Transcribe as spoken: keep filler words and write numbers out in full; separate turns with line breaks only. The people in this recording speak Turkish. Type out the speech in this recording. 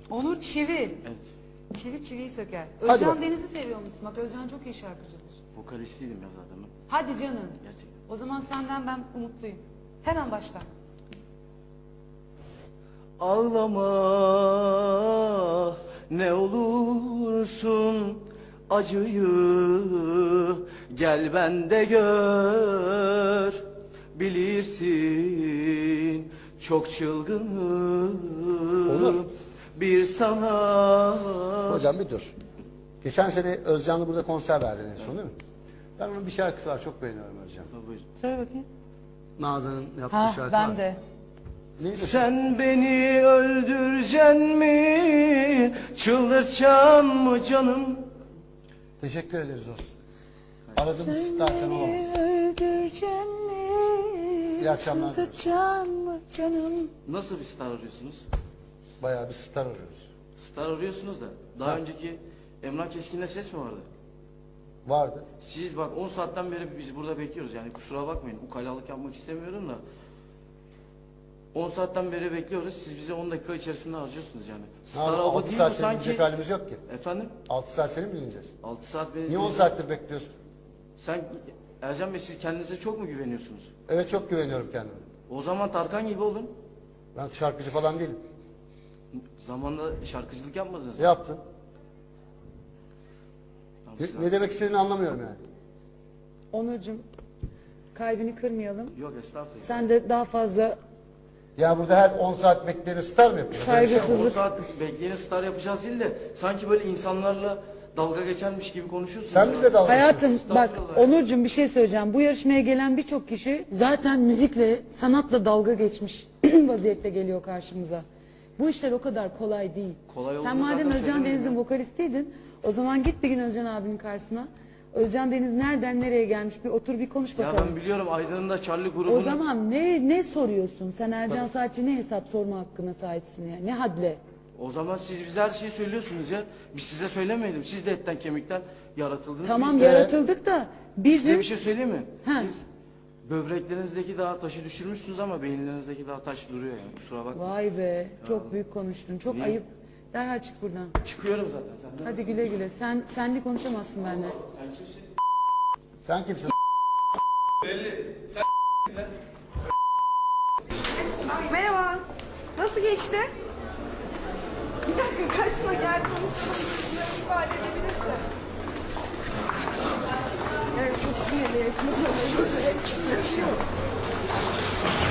Onur çivi.
Evet.
Çivi çiviyi söker.
Hadi
Özcan
bak.
Deniz'i seviyor musun? Bak Özcan çok iyi şarkıcıdır.
Vokalistiydim ya zaten ben.
Hadi canım.
Gerçekten.
O zaman senden ben umutluyum. Hemen başla.
Ağlama ne olursun acıyı gel bende gör bilirsin çok çılgınım
Olur.
bir sana.
Hocam bir dur. Geçen sene Özcan'la burada konser verdin en son değil mi? Ben onun bir şarkısı var, çok beğeniyorum Özcan.
Buyurun.
Söyle bakayım.
Nazan'ın yaptığı
Ha
şarkı
ben
var.
de.
Neydi?
Sen beni öldüreceksin mi? Çıldırtacaksın mı canım?
Teşekkür ederiz olsun. Aradığımız istersen olamaz.
Öldüreceksin mi?
İyi akşamlar.
Çıldırtacaksın mı canım?
Nasıl bir star arıyorsunuz?
Bayağı bir star arıyoruz.
Star arıyorsunuz da daha
Ha.
önceki Emrah Keskin'le ses mi vardı?
Vardı.
Siz bak on saatten beri biz burada bekliyoruz yani kusura bakmayın ukalalık yapmak istemiyorum da on saatten beri bekliyoruz siz bize on dakika içerisinde harcıyorsunuz yani. Star hava
altı
değil
saat
bu
seni
sanki.
dinleyecek halimiz yok ki.
Efendim?
altı saat seni mi dinleyeceğiz?
altı saat beni...
Niye on saattir bekliyorsun?
Sen Ercan Bey siz kendinize çok mu güveniyorsunuz?
Evet, çok güveniyorum kendime.
O zaman Tarkan gibi olun.
Ben şarkıcı falan değilim.
Zamanında şarkıcılık yapmadınız mı?
Yaptım.
Tamam,
Ne,
siz-
ne demek istediğini anlamıyorum yani.
Onurcuğum kalbini kırmayalım.
Yok estağfurullah.
Sen de daha fazla
Ya burada her on saat bekleyeni star mı yapıyoruz? Öyle bir şey mi?
Saygısızlık.
on saat bekleyeni star yapacağız değil de sanki böyle insanlarla dalga geçermiş gibi konuşuyorsun.
Sen
ya.
bize dalga
hayatım
geçiyorsun.
bak
Estağfurullah.
Onurcuğum bir şey söyleyeceğim. Bu yarışmaya gelen birçok kişi zaten müzikle, sanatla dalga geçmiş vaziyette geliyor karşımıza. Bu işler o kadar kolay değil.
Kolay
Sen
olduğunu
madem
zaten
Özcan
söylemiyorum
Deniz'in
ya.
vokalistiydin, o zaman git bir gün Özcan abinin karşısına. Özcan Deniz nereden nereye gelmiş bir otur bir konuş
Ya
bakalım.
ben biliyorum Aydın'ın da Charlie grubunu...
O zaman ne ne soruyorsun? Sen Ercan Saatçi ne hesap sorma hakkına sahipsin ya? Ne hadle?
O zaman siz bize her şeyi söylüyorsunuz ya. Biz size söylemeyelim. Siz de etten kemikten yaratıldınız.
Tamam
Biz de-
yaratıldık da
Size
bizim
bir şey söyleyeyim mi?
Ha.
Siz böbreklerinizdeki daha taşı düşürmüşsünüz ama beyinlerinizdeki daha taş duruyor yani. Kusura bakma.
Vay be çok büyük konuştun. Çok
Niye?
ayıp. Derhal çık buradan.
Çıkıyorum zaten senden.
Hadi güle güle. Sen senli konuşamazsın benimle.
Sen kimsin?
Sen kimsin?
Merhaba. Nasıl geçti? Bir dakika kaçma gel konuşalım. Bunları ifade edebilirsin. Evet çok sinirli. Yaşını çok